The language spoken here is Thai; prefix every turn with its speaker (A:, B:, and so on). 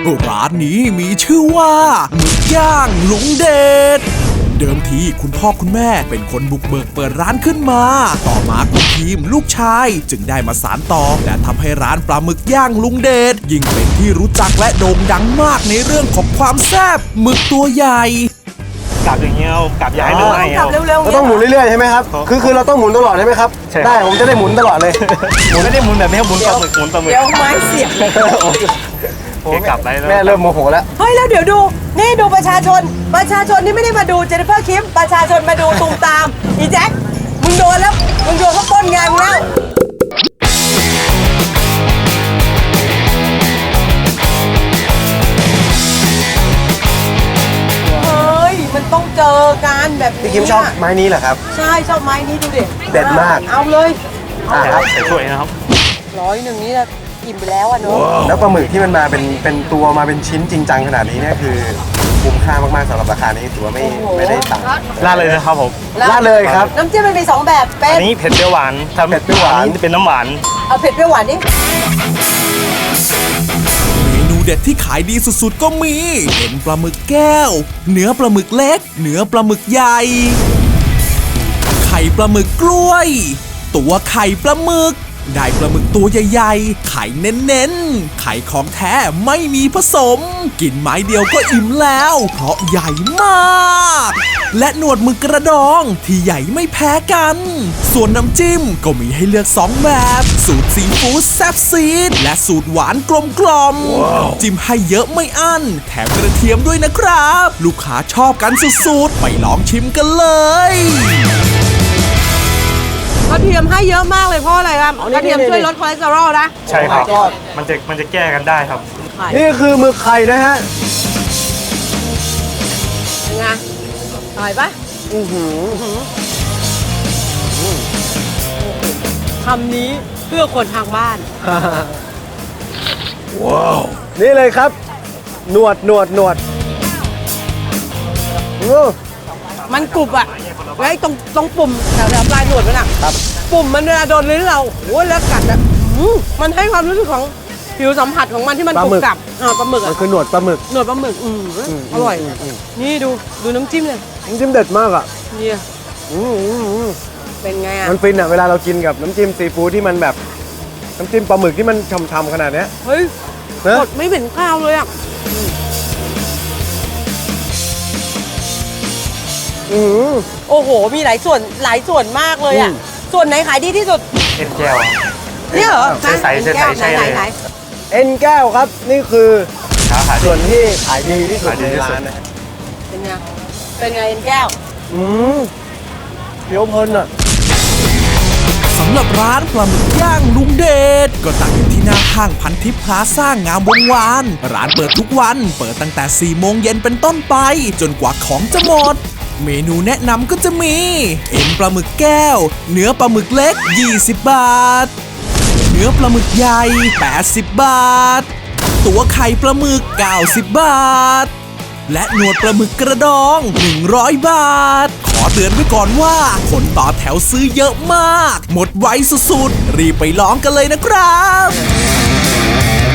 A: ร้านนี้มีชื่อว่าหมึกย่างลุงเดชเดิมทีคุณพ่อคุณแม่เป็นคนบุกเบิกเปิดร้านขึ้นมาต่อมาคุณทีมลูกชายจึงได้มาสานต่อและทำให้ร้านปลาหมึกย่างลุงเดชยิ่งเป็นที่รู้จักและโด่งดังมากในเรื่องของความแซ่บหมึกตัวใหญ่
B: กลับอย่างเงี้ยกลับย้ายเลย
C: กลับเร็วๆ
D: เราต้องหมุนเรื่อยๆใช่ไหมครับคือเราต้องหมุนตลอดใช่ไหมครับได้ผมจะได้หมุนตลอดเลย
B: หมุนไม่ได้หมุนแบบนี้หมุนปลาหมึกหมุนปลาหมึก
C: เดี๋ยวไม้เสียบ
B: กลับได้แล้ว
D: แม่เริ่มโมโหแล้ว
C: เฮ้ยแล้วเดี๋ยวดูนี่ดูประชาชนนี่ไม่ได้มาดูเจนนิเฟอร์คิมประชาชนมาดูตูมตามอีแจ็คมึงโดนแล้วมึงโดนเขาป้นงานมึงแล้วเฮ้ยมันต้องเจอกันแบบนี้
D: พี่คิมชอบไม้นี้เหรอครับ
C: ใช่ชอบไม้นี้ดูดิ
D: เด็ดมาก
C: เอาเลย
D: ครับ
B: ใส่ถ้วยนะครับ
C: 100นี่นะอิ่มไปแล้วอ่ะเนอะ
D: แล้วปลาหมึกที่มันมาเป็นตัวมาเป็นชิ้นจริงจังขนาดนี้เนี่ยคือคุ้มค่ามากๆสำหรับราคานี้ถือว่าไม่ได้ต่ำ
B: ราดเลยนะครับผม
D: ราดเลยครับ
C: น้ำจิ้มมันมี2แบบเป็น
B: อันนี้เผ็ดเปรี้ยวหวานถ้าเผ็ดเปรี้ยวหวานจะเป็นน้ำหวาน
C: เอาเผ็ดเปรี้ยวหวานดิ
A: เมนูเด็ดที่ขายดีสุดๆก็มีเอ็นปลาหมึกแก้วเนื้อปลาหมึกเล็กเนื้อปลาหมึกใหญ่ไข่ปลาหมึกกล้วยตัวไข่ปลาหมึกได้ปลาหมึกตัวใหญ่ๆไข่เน้นๆไข่ของแท้ไม่มีผสมกินไม้เดียวก็อิ่มแล้วเพราะใหญ่มากและหนวดหมึกกระดองที่ใหญ่ไม่แพ้กันส่วนน้ำจิ้มก็มีให้เลือก2แบบสูตรซีฟู้ดแซ่บซีดและสูตรหวานกลมๆจิ้มให้เยอะไม่อั้นแถมกระเทียมด้วยนะครับลูกค้าชอบกันสุดๆไปลองชิมกันเลย
C: กระเทียมให้เยอะมากเลยเพราะอะไรครับกระเทียมช่วยลดคอเลสเตอรอลนะ
B: ใช่ครับมันจะแก้กันได้ครับ
D: นี่คือหมึกไข่นะฮะ
C: ยังไงอร่อยปะคำนี้เพื่อคนทางบ้าน
D: ว้าวนี่เลยครับหนวด
C: มันกรุบอะไอ้ตรงปุ่มแถวปลายหนวดมันอะปุ่มมันเวลาโดนลิ้นเราโอ้แล้วกัดอะมันให้ความรู้สึกของผิวสัมผัสของมันที่มันกรุบกรับปลาหมึกอะ
D: มันคือหนวดปลาหมึก
C: อร่อยนี่ดูน้ำจิ้มเลย
D: น้ำจิ้มเด็ดมากอ่ะ
C: นี่เป็นไงอะ
D: มันฟินอ่ะเวลาเรากินกับน้ำจิ้มซีฟู้ดที่มันแบบน้ำจิ้มปลาหมึกที่มันช่ำๆขนาดเนี้ย
C: เฮ้ยสดไม่เหม็นข้าวเลยอะโอ้โหมีหลายส่วนมากเลยอ่ะส่วนไหนขายดีที่สุด
B: เอ็นแก้ว
C: เนี่ยเหรอ
B: ใส่ใช่เลย
D: เอ็นแก้วครับนี่คือส่วนที่ขายดีที่สุดในร้านนะ
C: เป็นไงเอ็นแก้ว
D: เคี้ยวเพลินอ่ะ
A: สำหรับร้านปลาหมึกย่างลุงเดชก็ตั้งอยู่ที่หน้าห้างพันทิพย์พลาซ่างามวงวานร้านเปิดทุกวันเปิดตั้งแต่4 โมงเย็นเป็นต้นไปจนกว่าของจะหมดเมนูแนะนำก็จะมีเอ็นปลาหมึกแก้วเนื้อปลาหมึกเล็ก20 บาทเนื้อปลาหมึกใหญ่80 บาทตัวไข่ปลาหมึก90 บาทและหนวดปลาหมึกกระดอง100 บาทขอเตือนไว้ก่อนว่าคนต่อแถวซื้อเยอะมากหมดไวสุดๆรีบไปลองกันเลยนะครับ